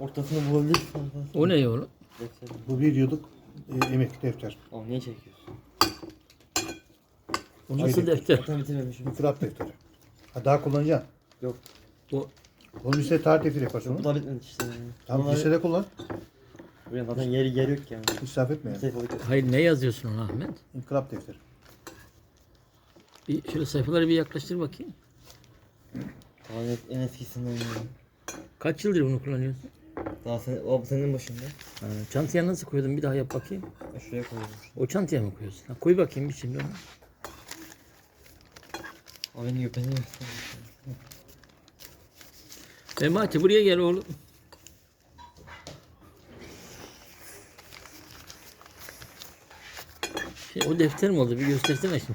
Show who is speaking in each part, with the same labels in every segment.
Speaker 1: Ortasını bulabilirsin.
Speaker 2: O ne oğlum?
Speaker 1: Defter.
Speaker 3: Bu bir yıllık emek defter.
Speaker 1: Oğlum niye çekiyorsun?
Speaker 2: O nasıl defter?
Speaker 1: Zaten bitirmemişim.
Speaker 3: İnkılap defteri. Ha, daha kullanacaksın.
Speaker 1: Yok.
Speaker 2: O
Speaker 3: Onu lise tarih defteri yaparsın
Speaker 1: Bu
Speaker 3: onu.
Speaker 1: da bitmedi işte.
Speaker 3: Tamam
Speaker 1: Bunlar-
Speaker 3: lisede kullan.
Speaker 1: Buraya zaten yeri yok yani.
Speaker 3: İsraf etme yani.
Speaker 1: Sayfalık yok.
Speaker 2: hayır, ne yazıyorsun ona Ahmet?
Speaker 3: İnkılap defteri.
Speaker 2: Bir şöyle sayfaları bir yaklaştır bakayım.
Speaker 1: Daha en eskisinden yani.
Speaker 2: Kaç yıldır bunu kullanıyorsun?
Speaker 1: Daha o senin başında.
Speaker 2: Ha, çantaya nasıl koydun? Bir daha yap bakayım.
Speaker 1: Şuraya koydum.
Speaker 2: O çantaya mı koyuyorsun? Ha, koy bakayım bir şimdi onu.
Speaker 1: O beni gösteriyor.
Speaker 2: Memati buraya gel oğlum. O defter mi oldu? Bir göstersene şimdi.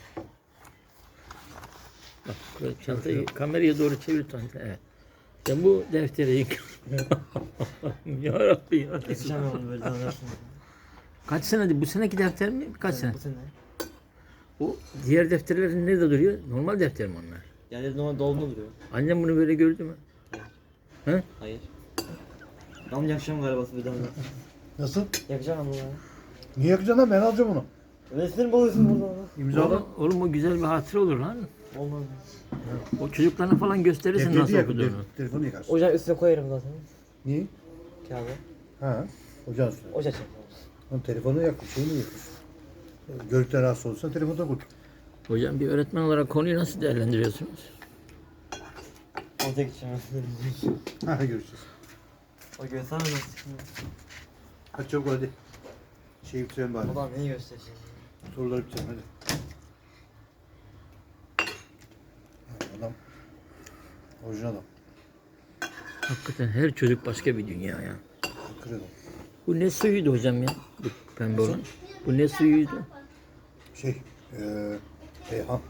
Speaker 2: Bak çantayı kameraya doğru çevir çantayı. Evet. Sen bu defteri yık. Ya Rabbi ya.
Speaker 1: Geçeceğim ben onu böyle zannedersin.
Speaker 2: Kaç senedir? Bu seneki defter mi? Kaç sene?
Speaker 1: Bu sene.
Speaker 2: O diğer defterlerin nerede duruyor? Normal defter mi onlar?
Speaker 1: Yani normal dolma duruyor.
Speaker 2: Annem bunu böyle gördü mü? He?
Speaker 1: Hayır. Ben yakacağım galiba bir daha.
Speaker 3: Nasıl?
Speaker 1: Yakacağım ama ya.
Speaker 3: Niye yakacaksın lan? Ben alacağım onu.
Speaker 1: Resmini buluyorsun burada.
Speaker 3: İmzala.
Speaker 2: Oğlum o güzel bir hatıra olur lan.
Speaker 1: Olmaz.
Speaker 2: O çocuklarına falan gösterirsin
Speaker 3: Defteri
Speaker 2: nasıl
Speaker 3: yak.
Speaker 2: okuduğunu.
Speaker 3: Telefonu yakarsın.
Speaker 1: Ocağın üstüne koyarım zaten.
Speaker 3: Niye?
Speaker 1: Kağıdı.
Speaker 3: Ha. Ocağın üstüne.
Speaker 1: Ocağı çekiyoruz.
Speaker 3: Onun telefonu yak. Şeyini yakıyorsun. Görüntüden rahatsız olursan telefonda koy.
Speaker 2: Hocam bir öğretmen olarak konuyu nasıl değerlendiriyorsunuz?
Speaker 1: Ortaya gideceğim.
Speaker 3: Ha görüşürüz.
Speaker 1: O göstermez.
Speaker 3: Hadi çabuk hadi. Şeyi bitirelim bari.
Speaker 1: O da neyi gösterecek?
Speaker 3: Soruları bitirelim hadi. Adam. Orijinal adam.
Speaker 2: Hakikaten her çocuk başka bir dünya ya.
Speaker 3: Kır adam.
Speaker 2: Bu ne suyuydu hocam ya? Bu pembe olan. Bu ne suyuydu?
Speaker 3: Şey. Reyhan.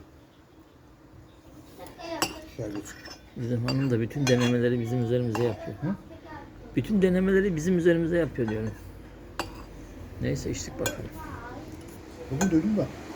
Speaker 3: Şerbet.
Speaker 2: Bizim hanım da bütün denemeleri bizim üzerimize yapıyor. Hı? Bütün denemeleri bizim üzerimize yapıyor diyorum. Neyse içtik bakalım.
Speaker 3: Bugün duydum da.